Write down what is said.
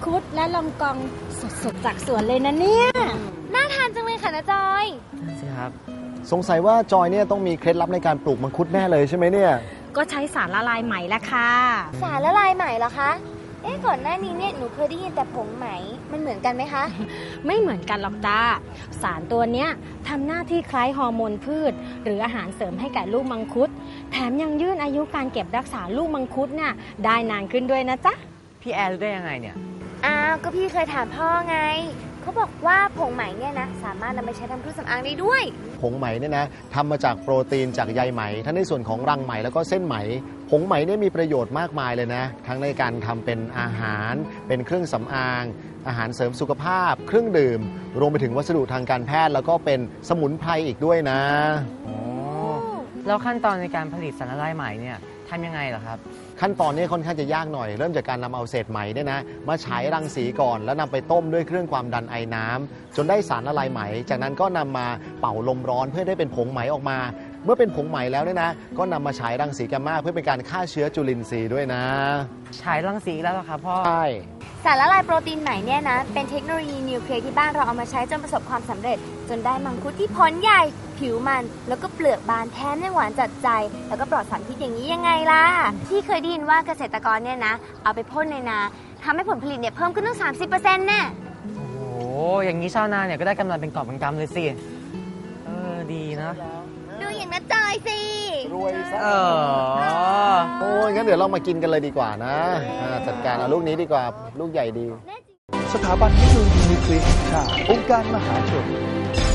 คุดและลองกองสดๆจากสวนเลยนะเนี่ยน่าทานจังเลยค่ะนะจอยสิครับสงสัยว่าจอยเนี่ยต้องมีเคล็ดลับในการปลูกมังคุดแน่เลยใช่ไหมเนี่ยก็ใช้สารละลายไหมละค่ะสารละลายไหมเหรอคะก่อนหน้านี้เนี่ยหนูเคยได้ยินแต่ผงไหมมันเหมือนกันไหมคะไม่เหมือนกันหรอกจ้าสารตัวเนี้ยทำหน้าที่คล้ายฮอร์โมนพืชหรืออาหารเสริมให้แก่ลูกมังคุดแถมยังยืดอายุการเก็บรักษาลูกมังคุดน่ะได้นานขึ้นด้วยนะจ๊ะพี่แอร์รู้ได้ยังไงเนี่ยอ้าวก็พี่เคยถามพ่อไงเขาบอกว่าผงไหมเนี่ยนะสามารถนำไปใช้ทำเครื่องสำอางได้ด้วยผงไหมเนี่ยนะทำมาจากโปรตีนจากใยไหมทั้งในส่วนของรังไหมแล้วก็เส้นไหมผงไหมเนี่ยมีประโยชน์มากมายเลยนะทั้งในการทำเป็นอาหารเป็นเครื่องสำอางอาหารเสริมสุขภาพเครื่องดื่มรวมไปถึงวัสดุทางการแพทย์แล้วก็เป็นสมุนไพรอีกด้วยนะแล้วขั้นตอนในการผลิตสารละลายไหมเนี่ยทำยังไงเหรอครับขั้นตอนนี้ค่อนข้างจะยากหน่อยเริ่มจากการนำเอาเศษไหมเนี่ยนะมาฉายรังสีก่อนแล้วนำไปต้มด้วยเครื่องความดันไอน้ำจนได้สารละลายไหมจากนั้นก็นำมาเป่าลมร้อนเพื่อได้เป็นผงไหมออกมาเมื่อเป็นผงไหมแล้วเนี่ยนะก็นำมาฉายรังสีแกมมาเพื่อเป็นการฆ่าเชื้อจุลินทรีย์ด้วยนะฉายรังสีแล้วเหรอครับพ่อใช่สารละลายโปรตีนไหมเนี่ยนะเป็นเทคโนโลยีนิวเคลียร์ที่บ้านเราเอามาใช้จนประสบความสำเร็จจนได้มังคุดที่ผลใหญ่ผิวมันแล้วก็เปลือกบานแถมยังหวานจัดใจแล้วก็ปลอดสารพิษอย่างนี้ยังไงล่ะที่เคยได้ยินว่าเกษตรกรเนี่ยนะเอาไปพ่นในนาทำให้ผลผลิตเนี่ยเพิ่มขึ้นตั้ง 30% แน่โอ้โหอย่างนี้ชาวนาเนี่ยก็ได้กำไรเป็นกอบเป็นกำเลยสิดีนะดูอย่างน้าจอยสิรวยซะโอ้ยงั้นเดี๋ยวเรามากินกันเลยดีกว่านะจัดการเอาลูกนี้ดีกว่าลูกใหญ่ดีสถาบันเทคโนโลยีนิวเคลียร์แห่งชาติองค์การมหาชน